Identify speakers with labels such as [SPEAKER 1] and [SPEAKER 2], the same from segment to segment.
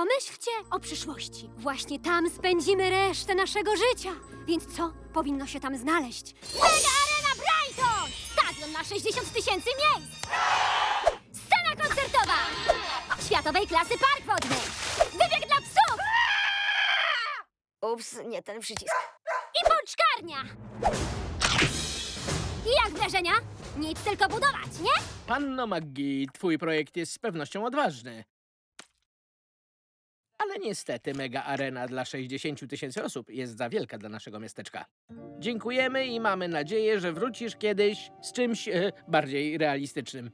[SPEAKER 1] Pomyślcie o przyszłości. Właśnie tam spędzimy resztę naszego życia. Więc co powinno się tam znaleźć? Mega Arena Brighton! Stadion na 60 000 miejsc! Scena koncertowa! Światowej klasy park wodny! Wybieg dla psów!
[SPEAKER 2] Ups, nie ten przycisk.
[SPEAKER 1] I pączkarnia! I jak wrażenia? Nic, tylko budować, nie?
[SPEAKER 3] Panno McGee, twój projekt jest z pewnością odważny. Ale niestety mega arena dla 60 000 osób jest za wielka dla naszego miasteczka. Dziękujemy i mamy nadzieję, że wrócisz kiedyś z czymś bardziej realistycznym.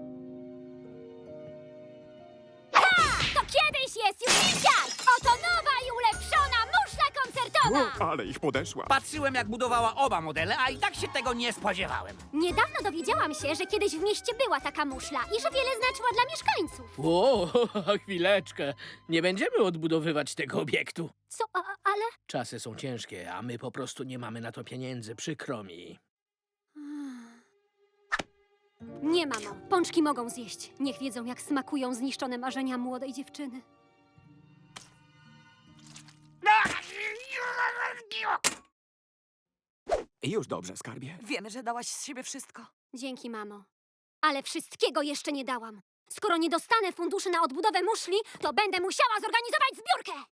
[SPEAKER 1] To kiedyś jest już dzisiaj! Oto nowa i ulepszona muszla koncertowa!
[SPEAKER 4] Ale ich podeszła.
[SPEAKER 5] Patrzyłem, jak budowała oba modele, a i tak się tego nie spodziewałem.
[SPEAKER 1] Niedawno dowiedziałam się, że kiedyś w mieście była taka muszla i że wiele znaczyła dla mieszkańców.
[SPEAKER 3] O, chwileczkę. Nie będziemy odbudowywać tego obiektu.
[SPEAKER 1] Co, ale...
[SPEAKER 3] Czasy są ciężkie, a my po prostu nie mamy na to pieniędzy. Przykro mi.
[SPEAKER 1] Nie, mamo. Pączki mogą zjeść. Niech wiedzą, jak smakują zniszczone marzenia młodej dziewczyny.
[SPEAKER 4] Już dobrze, skarbie.
[SPEAKER 2] Wiemy, że dałaś z siebie wszystko.
[SPEAKER 1] Dzięki, mamo. Ale wszystkiego jeszcze nie dałam. Skoro nie dostanę funduszy na odbudowę muszli, to będę musiała zorganizować zbiórkę!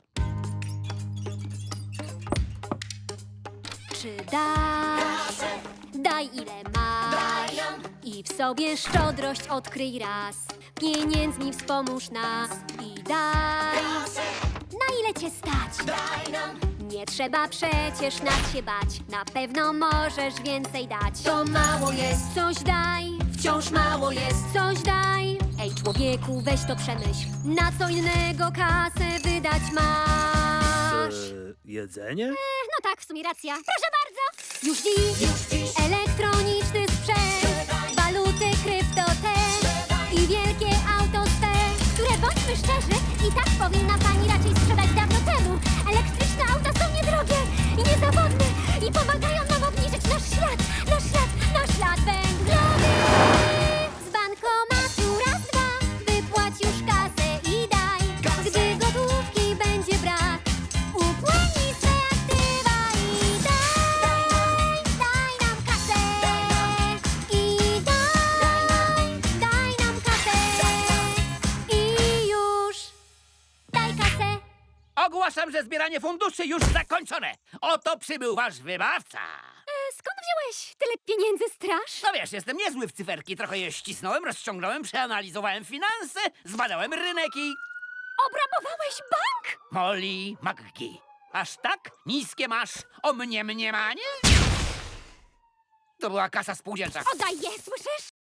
[SPEAKER 1] Czy dasz? Daj ile masz. I w sobie szczodrość odkryj raz. Pieniędzmi wspomóż nas. I daj. Na ile cię stać? Nie trzeba przecież nas się bać. Na pewno możesz więcej dać. To mało jest, coś daj. Wciąż mało jest, coś daj. Ej, człowieku, weź to przemyśl. Na co innego kasę wydać masz?
[SPEAKER 3] Jedzenie?
[SPEAKER 1] No tak, w sumie racja. Proszę bardzo. Już dziś elektroniczny sprzęt. Waluty, krypto też. I wielkie auto swe, które, bądźmy szczerzy, i tak powinna pani raczej sprzedać dawno temu. Elektryczne auta są niedrogie i niezawodne i pomagają nam obniżyć nasz ślad węglowy. Z bankomatu raz, dwa, wypłać już kasę i daj. Gdy gotówki będzie brak, upłynij swe aktywa i daj nam kasę. I daj nam kasę. I już daj kasę.
[SPEAKER 5] Ogłaszam, że zbieranie funduszy już zakończone. Oto przybył wasz wybawca.
[SPEAKER 1] Skąd wziąłeś tyle pieniędzy, straż?
[SPEAKER 5] No wiesz, jestem niezły w cyferki. Trochę je ścisnąłem, rozciągnąłem, przeanalizowałem finanse, zbadałem rynek i...
[SPEAKER 1] Obrabowałeś bank?
[SPEAKER 5] Molly McGee. Aż tak? Niskie masz o mnie mniemanie? To była kasa spółdzielcza.
[SPEAKER 1] Oddaj je, słyszysz?